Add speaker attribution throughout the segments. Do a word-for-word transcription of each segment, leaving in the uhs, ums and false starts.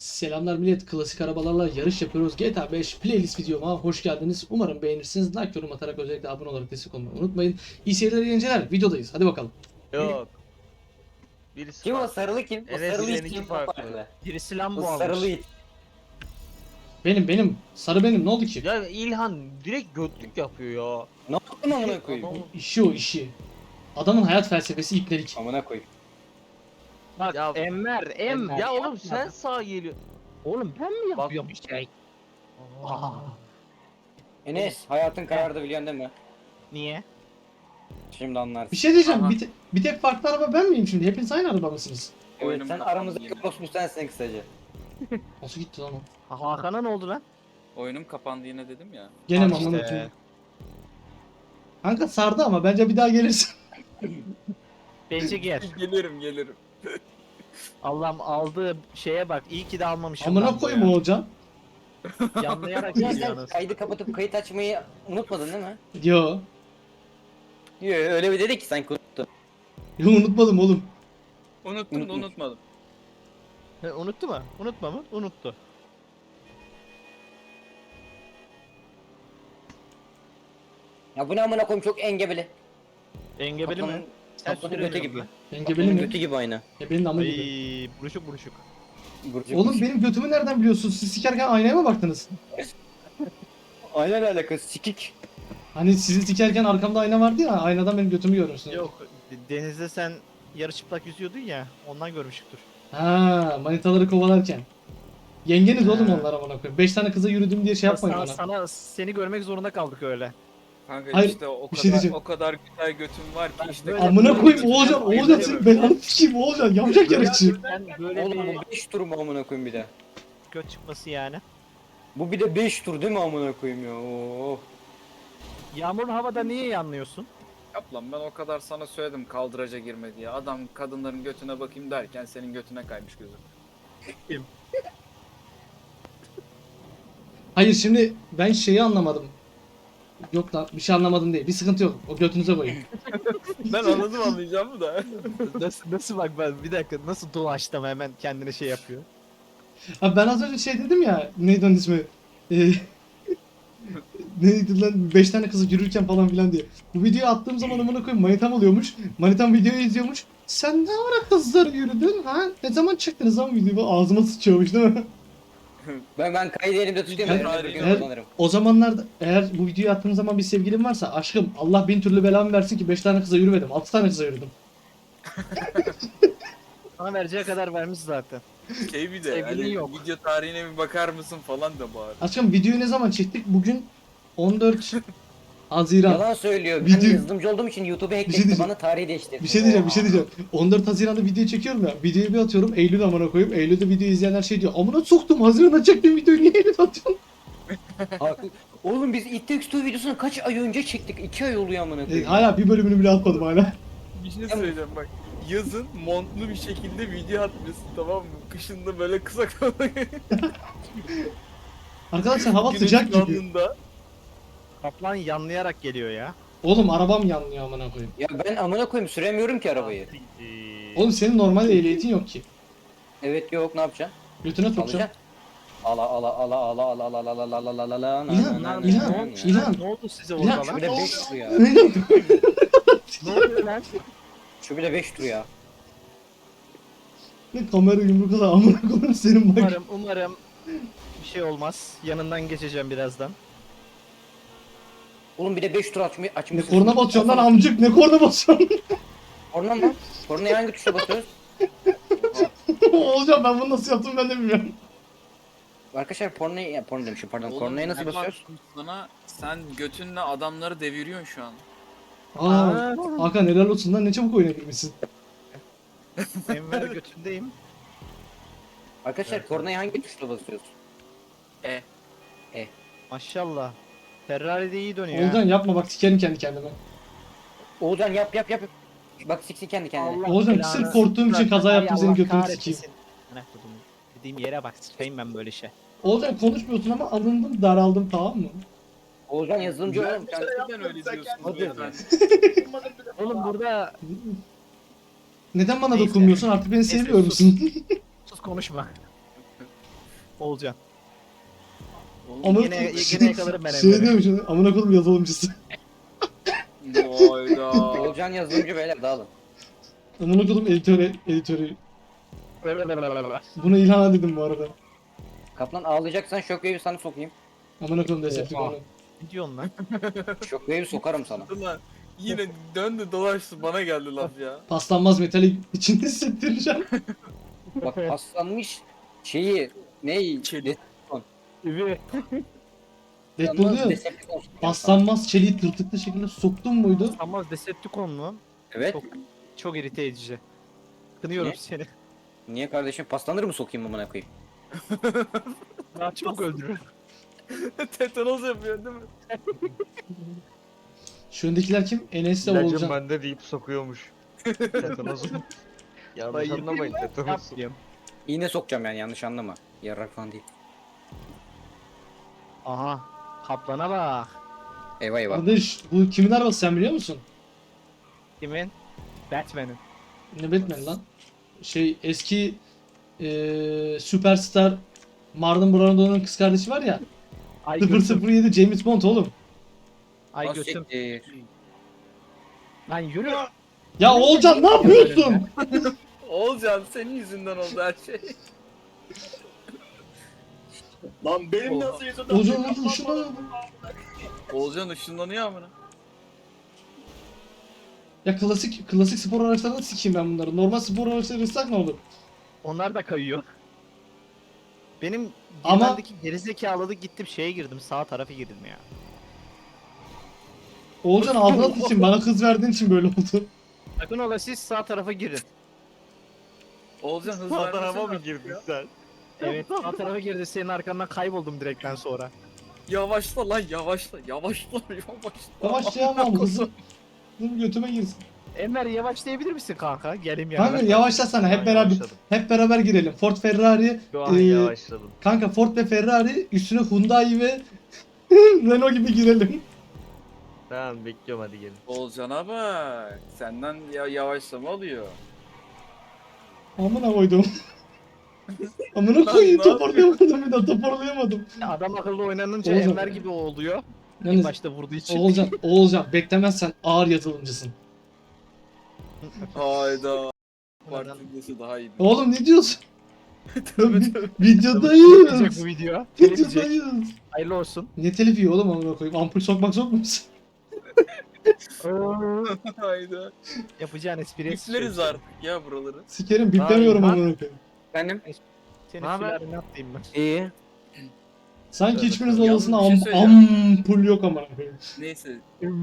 Speaker 1: Selamlar millet, klasik arabalarla yarış yapıyoruz. G T A beş playlist videoma hoş geldiniz. Umarım beğenirsiniz. Like, yorum atarak özellikle abone olarak destek olmayı unutmayın. İyi seyirler, iyi eğlenceler. Videodayız. Hadi bakalım.
Speaker 2: Yok. Birisi
Speaker 3: Kim o
Speaker 2: farklı.
Speaker 3: sarılı kim? O
Speaker 2: Enes
Speaker 3: sarılı it
Speaker 2: seninki
Speaker 3: kim
Speaker 2: farklı.
Speaker 4: Birisi
Speaker 3: O
Speaker 4: Lambo
Speaker 3: sarılı
Speaker 4: almış.
Speaker 3: it.
Speaker 1: Benim benim sarı benim, ne oldu ki?
Speaker 2: Ya İlhan direkt götlük yapıyor ya.
Speaker 3: Ne yaptın amına koyayım?
Speaker 2: Adam-
Speaker 1: İşi o işi. Adamın hayat felsefesi ipnelik.
Speaker 3: Amına koyayım.
Speaker 4: Bak
Speaker 2: Ya-
Speaker 4: Enver, Enver.
Speaker 2: Ya oğlum
Speaker 4: yapma.
Speaker 2: sen sağ geliyor.
Speaker 4: Oğlum ben mi
Speaker 2: Bak-
Speaker 4: yapıyorum bir şey? Aa,
Speaker 3: Enes hayatın karardı biliyorsun değil mi?
Speaker 4: niye?
Speaker 3: Şimdi anlarsın.
Speaker 1: Bir şey diyeceğim,
Speaker 5: Aha.
Speaker 1: bir, te- bir tek farklı araba ben miyim şimdi? Hepiniz aynı araba mısınız?
Speaker 3: Evet,
Speaker 5: Oyunum
Speaker 3: sen
Speaker 5: kapandı
Speaker 3: aramızdaki
Speaker 5: yine.
Speaker 3: orospu sensin kısaca.
Speaker 1: Nasıl gitti lan o?
Speaker 4: Ha, Hakan'a ne oldu lan?
Speaker 5: Oyunum kapandı yine dedim ya.
Speaker 1: Gene mi
Speaker 4: Al işte.
Speaker 1: amına koyayım? Kanka sardı ama bence bir daha gelirsin.
Speaker 4: Bence gel.
Speaker 5: Gelirim gelirim.
Speaker 4: Allah'ım aldığı şeye bak. İyi ki de almamışım.
Speaker 1: Amına
Speaker 4: Lambo'yu.
Speaker 1: koyayım Oğulcan.
Speaker 4: Yanlayarak
Speaker 3: Ya
Speaker 4: geliyor
Speaker 3: sen
Speaker 4: anasını.
Speaker 3: kaydı kapatıp kayıt açmayı unutmadın değil mi?
Speaker 1: Yo.
Speaker 3: Yok öyle bir dedi ki sen unuttun.
Speaker 1: Yo, unutmadım oğlum.
Speaker 5: Unuttum da
Speaker 3: Unutmuş.
Speaker 5: unutmadım.
Speaker 4: He, unuttu mu? Unutma mı? Unuttu.
Speaker 3: Ya bu ne amına koyayım çok engebeli.
Speaker 4: Engebeli mi?
Speaker 3: Kaplanın-
Speaker 4: Sen
Speaker 3: Kaplanın götü
Speaker 4: süremiyorsun
Speaker 3: gibi.
Speaker 4: lan.
Speaker 1: Engebeli
Speaker 3: Kaplanın
Speaker 1: mi?
Speaker 3: götü gibi aynı.
Speaker 1: Ya benim de amı gibi.
Speaker 4: Ay, buruşuk buruşuk.
Speaker 3: Burcu
Speaker 1: Oğlum
Speaker 3: burcu.
Speaker 1: benim götümü nereden biliyorsunuz? Siz sikerken aynaya mı baktınız?
Speaker 3: Aynen alakası sikik.
Speaker 1: Hani sizi sikerken arkamda ayna vardı ya, aynadan benim götümü görürsünüz.
Speaker 4: Yok, denizde sen yarı çıplak yüzüyordun ya. Ondan görmüştür.
Speaker 1: Ha, manitaları kovalarken. Yengeniz
Speaker 4: Ha.
Speaker 1: oğlum onlar amına koyayım. Beş tane kıza yürüdüm diye şey yapmayın
Speaker 4: sana,
Speaker 1: bana.
Speaker 4: sana seni görmek zorunda kaldık öyle.
Speaker 5: Kanka
Speaker 1: Hayır,
Speaker 5: işte o
Speaker 1: bir
Speaker 5: kadar
Speaker 1: şey diyeceğim.
Speaker 5: o kadar güzel götüm var ki işte.
Speaker 4: böyle-
Speaker 1: Amına koyayım
Speaker 4: böyle-
Speaker 1: Oğulcan,
Speaker 4: böyle-
Speaker 1: Oğulcan
Speaker 4: böyle-
Speaker 1: senin belanı sikeyim Oğulcan. Yavşak yarışçı.
Speaker 4: Sen böyle
Speaker 3: Oğlum
Speaker 4: bir
Speaker 3: bu beş tur mu amına koyayım bir de?
Speaker 4: göt çıkması yani.
Speaker 3: Bu bir de beş tur değil mi amına koyayım ya? Oo.
Speaker 4: Yağmurlu havada niye yanlıyorsun?
Speaker 5: Yap lan ben o kadar sana söyledim kaldıraca girme diye. Adam kadınların götüne bakayım derken senin götüne kaymış gözüm.
Speaker 1: Hayır şimdi ben şeyi anlamadım. Yok lan bir şey anlamadım değil. Bir sıkıntı yok. O götünüze koyun.
Speaker 5: Ben anladım anlayacağımı da.
Speaker 4: nasıl nasıl bak ben bir dakika nasıl dolaştım hemen kendine şey yapıyor.
Speaker 1: Abi ben az önce şey dedim ya. Neydi onun ismi? Ee, neydi lan? Beş tane kızı yürürken falan filan diye. Bu videoyu attığım zaman amına koyayım manitam oluyormuş. Manitam videoyu izliyormuş. Sen ne ara kızlar yürüdün ha? Ne zaman çıktınız lan videoyu? Ağzıma sıçıyormuş değil mi?
Speaker 3: Ben ben kaydı elimde tutuyorum.
Speaker 5: Eğer-
Speaker 3: Elimde bir gün
Speaker 1: eğer-
Speaker 3: kullanırım.
Speaker 1: O zamanlarda eğer bu videoyu attığım zaman bir sevgilim varsa aşkım Allah bin türlü belamı versin ki beş tane kıza yürümedim. altı tane kıza yürüdüm.
Speaker 4: Sana vereceği kadar vermiş zaten.
Speaker 5: Şey bir de
Speaker 4: Sevgilin
Speaker 5: hani
Speaker 4: yok.
Speaker 5: video tarihine bir bakar mısın falan da bağır.
Speaker 1: Aşkım videoyu ne zaman çektik? Bugün on dört Haziran.
Speaker 3: Yalan söylüyor. Ben
Speaker 1: Video-
Speaker 3: yazılımcı olduğum için YouTube'u
Speaker 1: şey
Speaker 3: hackletti.
Speaker 1: diyeceğim.
Speaker 3: Bana tarihi değiştirdi.
Speaker 1: Bir şey diyeceğim, bir şey diyeceğim. on dört Haziran'da video çekiyorum ya. Videoyu bir atıyorum. Eylül amına koyayım. Eylül'de video izleyenler şey diyor. Amına soktum. Haziran'da çektiğim videoyu niye Eylül atıyorsun?
Speaker 3: Haklı. Oğlum biz It Takes Two videosunu kaç ay önce çektik? iki ay oluyor amına
Speaker 1: E,
Speaker 3: koyayım.
Speaker 1: hala bir bölümünü bile atmadım hala.
Speaker 5: Bir şey söyleyeceğim bak. Yazın montlu bir şekilde video atmışsın tamam mı? Kışında böyle kısa kalın.
Speaker 1: Arkadaşlar hava sıcak gibi.
Speaker 5: Yanında.
Speaker 4: Kaplan yanlayarak geliyor ya.
Speaker 1: Oğlum arabam yanlıyor amına koyayım.
Speaker 3: Ya ben amına koyayım süremiyorum ki arabayı.
Speaker 4: Ee,
Speaker 1: Oğlum senin normal ehliyetin yok ki.
Speaker 3: Evet yok ne yapacaksın?
Speaker 1: Götüne sokacağım.
Speaker 3: Alacaksın. Ala ala ala ala ala ala ala ala ala ala ala ala
Speaker 1: İlhan,
Speaker 3: na, na,
Speaker 1: İlhan,
Speaker 3: na, na.
Speaker 1: İlhan.
Speaker 4: Ne oldu size
Speaker 1: İlhan,
Speaker 4: orada
Speaker 3: Şu
Speaker 4: lan?
Speaker 3: bile beş tur ya.
Speaker 4: Ne oluyor lan?
Speaker 3: Şu bile beş tur ya.
Speaker 1: Ne kamera yumruk kadar amına koyayım senin bak.
Speaker 4: Umarım umarım bir şey olmaz. Yanından geçeceğim birazdan.
Speaker 3: Oğlum bir de beş tur açmış
Speaker 1: Ne
Speaker 3: açmışsın.
Speaker 1: korna basıyorsun lan amcık, ne korna basıyorsun?
Speaker 3: Korna mı? Kornaya hangi tuşa basıyoruz?
Speaker 1: Olacağım, ben bunu nasıl yaptım ben de bilmiyorum.
Speaker 3: Arkadaşlar pornoya, ya porno demişim pardon.
Speaker 5: Oğlum,
Speaker 3: Kornaya nasıl
Speaker 5: ne
Speaker 3: basıyoruz?
Speaker 5: baktım Sana sen götünle adamları deviriyorsun şu an.
Speaker 1: Aa, Hakan helal olsun lan, ne çabuk oynayabilmişsin.
Speaker 4: Enver götündeyim.
Speaker 3: Arkadaşlar kornaya hangi tuşla basıyoruz?
Speaker 5: E.
Speaker 4: Maşallah. Ferrari de iyi dönüyor.
Speaker 1: Oğulcan yapma bak, sikerim kendi kendime.
Speaker 3: Oğuzhan yap yap yap. Bak siksi kendi kendine.
Speaker 4: Allah
Speaker 1: Oğuzhan,
Speaker 4: belanı
Speaker 1: sırf korktuğum için
Speaker 4: versin.
Speaker 1: kaza
Speaker 4: Ay
Speaker 1: yaptım, senin
Speaker 4: Allah
Speaker 1: götünü
Speaker 4: kahretsin.
Speaker 1: sikeyim.
Speaker 4: Ne kudum. Dediğim yere bak, sıçayım ben böyle şey.
Speaker 1: Oğulcan konuşmuyorsun ama alındım, daraldım, tamam mı?
Speaker 3: Oğuzhan yazılımcı oğlum. Sen...
Speaker 5: Neden öyle diyorsun?
Speaker 3: Hadi.
Speaker 5: beyefendi?
Speaker 4: Oğlum burada
Speaker 1: Neden bana
Speaker 4: Neyse.
Speaker 1: dokunmuyor musun? Artık beni
Speaker 4: Neyse,
Speaker 1: sevmiyor
Speaker 4: sus.
Speaker 1: musun?
Speaker 4: sus konuşma. Olcan.
Speaker 1: Ama
Speaker 4: Yine- yine yakalarım ben
Speaker 1: Şey
Speaker 4: Emre'yi.
Speaker 1: diyorum şimdi amına koydum yazılımcısı.
Speaker 5: Hayda.
Speaker 3: Olcan yazılımcı beyler dağılın.
Speaker 1: Amına koydum editörü, editörü. Buna İlhan'a dedim bu arada.
Speaker 3: Kaplan ağlayacaksan Shockwave'i sana sokayım.
Speaker 1: Amına koydum Decepticon'u.
Speaker 4: Oha. Ne diyorsun lan?
Speaker 3: Shockwave'i sokarım sana.
Speaker 5: Ulan yine döndü dolaştı bana geldi laf ya.
Speaker 1: Paslanmaz metali içinde hissettireceğim.
Speaker 3: Bak paslanmış şeyi neyi?
Speaker 5: Çelik.
Speaker 4: Üvü.
Speaker 1: Deadpool diyor.
Speaker 3: Decepticon sokacağım sana.
Speaker 1: Paslanmaz çeliği tırtıklı şekilde soktun muydu?
Speaker 4: Ama Decepticon mu?
Speaker 3: Evet.
Speaker 4: Çok, çok irite edici. Kınıyorum
Speaker 3: Ne?
Speaker 4: seni.
Speaker 3: Niye kardeşim paslanır mı sokayım amına koyayım?
Speaker 4: Daha çok öldürür.
Speaker 5: Tetanos yapıyor değil mi?
Speaker 1: Şu öndekiler kim? Enes'le
Speaker 2: İlacım
Speaker 1: Oğulcan.
Speaker 2: bende deyip sokuyormuş. Tetanos. Yanlış
Speaker 4: Dayı,
Speaker 2: anlamayın
Speaker 4: Ne
Speaker 2: tetanos.
Speaker 4: yapayım?
Speaker 3: İğne sokacağım yani yanlış anlama. Yarrak falan değil.
Speaker 4: Aha. Kaplana bak.
Speaker 3: Eyvah eyvah.
Speaker 1: Kardeş bu kimin arabası sen biliyor musun?
Speaker 4: Kimin? Batman'in.
Speaker 1: Ne Batman lan? Şey eski eee süperstar Marlon Brando'nun kız kardeşi var ya.
Speaker 4: Ay götüm.
Speaker 1: sıfır sıfır yedi James Bond oğlum.
Speaker 4: Ay
Speaker 3: Az
Speaker 4: götüm.
Speaker 3: siktir.
Speaker 4: Lan yürü.
Speaker 1: Ya Oğulcan ne yapıyorsun?
Speaker 5: Olcan senin yüzünden oldu her şey. Lan benim
Speaker 4: Oha.
Speaker 5: nasıl yüzümden?
Speaker 1: Oğulcan nasıl şuna?
Speaker 5: Olcan ışınlanıyor amına.
Speaker 1: Ya klasik klasik spor araçlarını sikeyim ben bunları. Normal spor araçları ıssak ne olur?
Speaker 4: Onlar da kayıyor. Benim
Speaker 1: Ama-
Speaker 4: girmendeki gerizekalılı gittim şeye girdim sağ tarafa girdim ya.
Speaker 1: Oğulcan ablat için bana kız verdiğin için böyle oldu.
Speaker 4: Sakın ola siz sağ tarafa girin.
Speaker 5: Olcan hız
Speaker 2: Sağ
Speaker 5: vermesene
Speaker 2: tarafa mı
Speaker 5: artık
Speaker 2: girdin
Speaker 5: ya.
Speaker 2: sen?
Speaker 4: Evet sağ tarafa girdi senin arkandan kayboldum direkten sonra.
Speaker 5: Yavaşla lan yavaşla yavaşla yavaşla.
Speaker 1: Yavaşlayamam kızım. Kızım götüme girsin.
Speaker 4: Enver yavaş diyebilir misin kanka? Gelim yanına.
Speaker 1: Kanka yavaşlasana hep
Speaker 2: Ben
Speaker 1: beraber
Speaker 2: yavaşladım.
Speaker 1: hep beraber girelim. Ford Ferrari
Speaker 2: Şu an
Speaker 1: Ee,
Speaker 2: yavaşladım.
Speaker 1: kanka Ford ve Ferrari üstüne Hyundai ve Renault gibi girelim.
Speaker 2: Tamam bekliyorum hadi gelin.
Speaker 5: Olcan'a bak. Senden ya yavaşlama alıyor.
Speaker 1: Amına koydum. Amına
Speaker 5: Lan
Speaker 1: koyayım
Speaker 5: ne
Speaker 1: toparlayamadım bir daha toparlayamadım.
Speaker 4: Adam akıllı oynanınca
Speaker 1: Oğlum.
Speaker 4: Enver gibi oluyor. İlk
Speaker 1: Yalnız
Speaker 4: başta vurduğu için.
Speaker 1: Oğulcan, Oğulcan beklemezsen ağır yazılımcısın.
Speaker 5: Hayda.
Speaker 4: Oradan-
Speaker 5: Partidesi daha iyi.
Speaker 4: Oh.
Speaker 1: Oğlum ne diyorsun?
Speaker 4: Telif
Speaker 1: Videodayız.
Speaker 4: yiyecek bu video. Telif yiyecek.
Speaker 1: Videodayız.
Speaker 4: Hayırlı olsun.
Speaker 1: Ne telifi oğlum amına koyayım? Ampul sokmak sok musun?
Speaker 5: Hayda.
Speaker 4: Yapacağın espriye
Speaker 5: Bipleriz artık ya buraları.
Speaker 1: Sikerim biplemiyorum
Speaker 2: Ay,
Speaker 1: amına koyayım.
Speaker 3: Efendim?
Speaker 4: Senin
Speaker 2: Ne haber?
Speaker 4: sülaleni atlayayım ben.
Speaker 2: İyi.
Speaker 1: Sanki
Speaker 5: Evet,
Speaker 1: hiçbiriniz
Speaker 5: yalnız
Speaker 1: odasında
Speaker 5: bir şey
Speaker 1: am
Speaker 5: söyleyeceğim.
Speaker 1: ampul yok amına koyayım.
Speaker 5: Neyse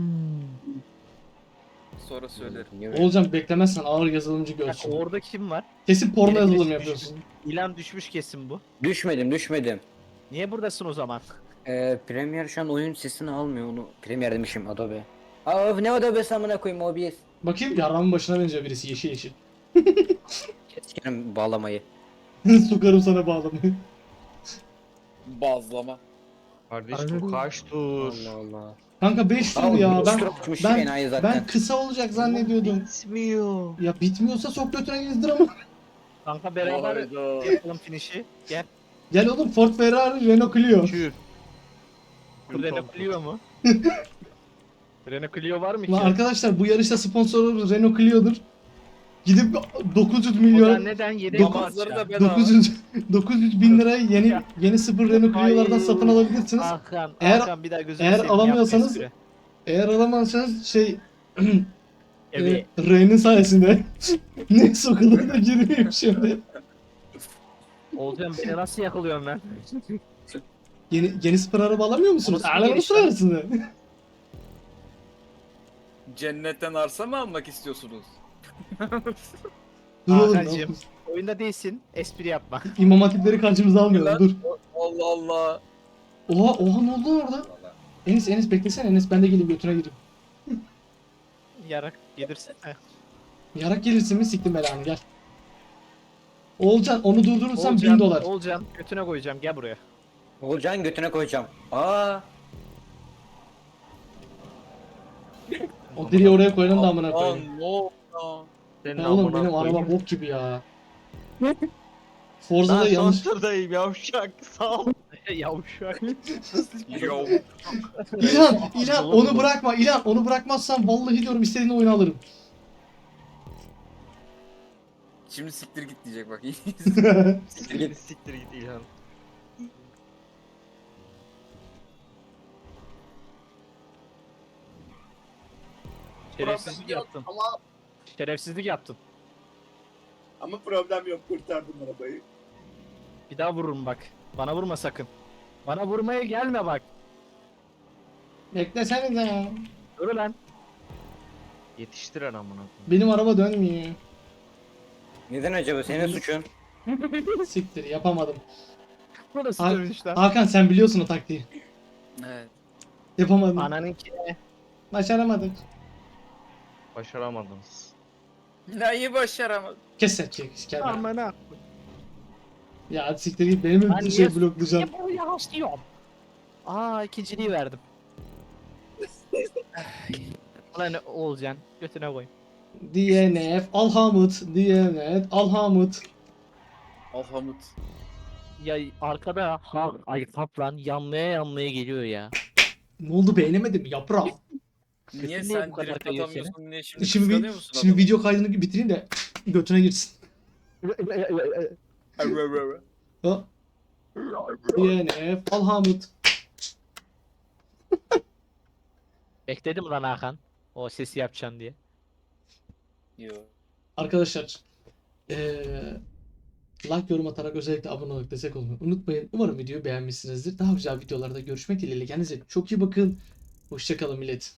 Speaker 5: sonra söylerim.
Speaker 1: Oğulcan beklemezsen ağır yazılımcı
Speaker 4: Bak,
Speaker 1: görsün.
Speaker 4: orada kim var?
Speaker 1: Kesin porno
Speaker 4: Biri
Speaker 1: yazılım
Speaker 4: düşmüş.
Speaker 1: yapıyorsun.
Speaker 4: İlan düşmüş kesin bu.
Speaker 3: Düşmedim düşmedim.
Speaker 4: Niye buradasın o zaman?
Speaker 3: Ee, Premiere şu an oyun sesini almıyor onu. Premiere demişim Adobe. Aa ne Adobe'si amına koyayım O B S.
Speaker 1: Bakayım yaramın başına benziyor birisi yeşil yeşil.
Speaker 3: Keskerim bağlamayı.
Speaker 1: Sokarım sana bağlamayı.
Speaker 5: Bazlama.
Speaker 2: Kardeş
Speaker 1: Anladım.
Speaker 2: bu kaç tur?
Speaker 3: Allah Allah.
Speaker 1: Kanka beş tur ya ben ben
Speaker 3: ben, zaten.
Speaker 1: ben kısa olacak zannediyordum.
Speaker 2: Bitmiyor.
Speaker 1: Ya bitmiyorsa sok götüne gezdir ama.
Speaker 4: Kanka beraber
Speaker 5: Hayda.
Speaker 4: yapalım finişi. Gel.
Speaker 1: Gel oğlum Ford Ferrari Renault Clio.
Speaker 2: Kür.
Speaker 4: Bu Renault Clio mu? Renault Clio var mı ki?
Speaker 1: Lan arkadaşlar bu yarışta sponsoru Renault Clio'dur. Gidip dokuz yüz
Speaker 4: O da
Speaker 1: milyon
Speaker 4: neden yedek
Speaker 1: Dokuz-
Speaker 5: Namazları
Speaker 4: parça?
Speaker 5: da bedava.
Speaker 1: dokuz yüz dokuz yüz bin liraya yeni
Speaker 4: Ya.
Speaker 1: yeni sıfır Renault Clio'lardan
Speaker 4: Ay.
Speaker 1: satın alabilirsiniz.
Speaker 4: Hakan,
Speaker 1: Eğer-
Speaker 4: Hakan bir daha gözünü
Speaker 1: eğer
Speaker 4: seveyim, yapma
Speaker 1: alamıyorsanız-
Speaker 4: espri.
Speaker 1: Eğer alamazsanız şey
Speaker 4: Evet.
Speaker 1: e, R'nin sayesinde ne sokulur da girmiyor şimdi.
Speaker 4: Olcan beni nasıl yakalıyorsun lan?
Speaker 1: Yeni yeni sıfır araba alamıyor musunuz?
Speaker 4: Orası
Speaker 1: Alamıyor
Speaker 4: geniş lan.
Speaker 1: musunuz?
Speaker 5: Cennetten arsa mı almak istiyorsunuz?
Speaker 1: Dur oğlum.
Speaker 4: Hakan'cığım. Oyunda değilsin, espri yapma.
Speaker 1: İmam hatipleri karşımıza almayalım
Speaker 5: Lan.
Speaker 1: dur.
Speaker 5: Allah Allah.
Speaker 1: Oha oha ne oldu orada? Enes Enes beklesene Enes ben de geleyim götüne gireyim.
Speaker 4: Yarak gelirse. Heh.
Speaker 1: Yarak gelirsin mi siktim belanı gel. Oğulcan onu durdurursan
Speaker 4: Olcan,
Speaker 1: bin dolar.
Speaker 4: Olcan götüne koyacağım gel buraya.
Speaker 3: Olcan götüne koyacağım. Aa.
Speaker 1: O direği oraya koyalım da amına koyayım.
Speaker 5: Lan ne oldu lan?
Speaker 2: Senin
Speaker 1: Ya oğlum
Speaker 2: amına
Speaker 1: benim
Speaker 2: koyayım.
Speaker 1: araba bok gibi ya. Forza'da
Speaker 2: Lan
Speaker 1: yanlış.
Speaker 2: son turdayım yavşak. Sağ ol.
Speaker 4: Yavşak.
Speaker 5: Yo.
Speaker 1: İlhan, İlhan onu bırakma. İlhan onu bırakmazsan vallahi diyorum istediğin oyunu alırım.
Speaker 5: Şimdi siktir git diyecek bak.
Speaker 2: Siktir git. Siktir git İlhan.
Speaker 4: Şerefsizlik yaptın.
Speaker 6: Ama
Speaker 4: Şerefsizlik yaptın.
Speaker 6: ama problem yok, kurtardım arabayı.
Speaker 4: Bir daha vururum bak. Bana vurma sakın. Bana vurmaya gelme bak.
Speaker 1: Beklesenize ya.
Speaker 4: Dur lan.
Speaker 2: Yetiştir amına koyayım.
Speaker 1: Benim araba dönmüyor.
Speaker 3: Neden acaba? Senin suçun.
Speaker 1: Siktir yapamadım.
Speaker 4: Burası
Speaker 1: Ha-
Speaker 4: dövüş lan.
Speaker 1: Hakan sen biliyorsun o taktiği.
Speaker 5: Evet.
Speaker 1: Yapamadım.
Speaker 4: Ananınki.
Speaker 1: Başaramadık.
Speaker 2: Başaramadınız.
Speaker 5: Neyi başaramadım?
Speaker 1: Kes sen çek. Kendine.
Speaker 4: Amına.
Speaker 1: Ya hadi siktir git benim
Speaker 4: Ben
Speaker 1: mi şey
Speaker 4: niye-
Speaker 1: bloklayacaksın?
Speaker 4: Ya bu yavaşlıyorum. Aa ikinciliği verdim. Ulan Oğulcan götüne koy.
Speaker 1: D N F Alhamut D N F Alhamut.
Speaker 5: Alhamut.
Speaker 4: Ya arkada ha ay kaplan yanmaya yanmaya geliyor ya.
Speaker 1: Ne oldu beğenemedin mi yaprağım?
Speaker 5: Niye
Speaker 4: Niye
Speaker 5: sen
Speaker 4: bu kadar
Speaker 5: direkt
Speaker 4: kayıyor
Speaker 5: atamıyorsun? Niye şimdi
Speaker 1: Şimdi,
Speaker 5: kıskanıyor
Speaker 1: bir,
Speaker 5: musun
Speaker 1: şimdi
Speaker 5: adamı?
Speaker 1: video kaydını bitireyim de götüne girsin. Ha? D N F Alhamut.
Speaker 4: Bekledim lan Hakan. O sesi yapacaksın diye.
Speaker 5: Yo.
Speaker 1: Arkadaşlar eee like yorum atarak özellikle abone olarak destek olmayı unutmayın. Umarım videoyu beğenmişsinizdir. Daha güzel videolarda görüşmek dileğiyle. Kendinize çok iyi bakın. Hoşçakalın millet.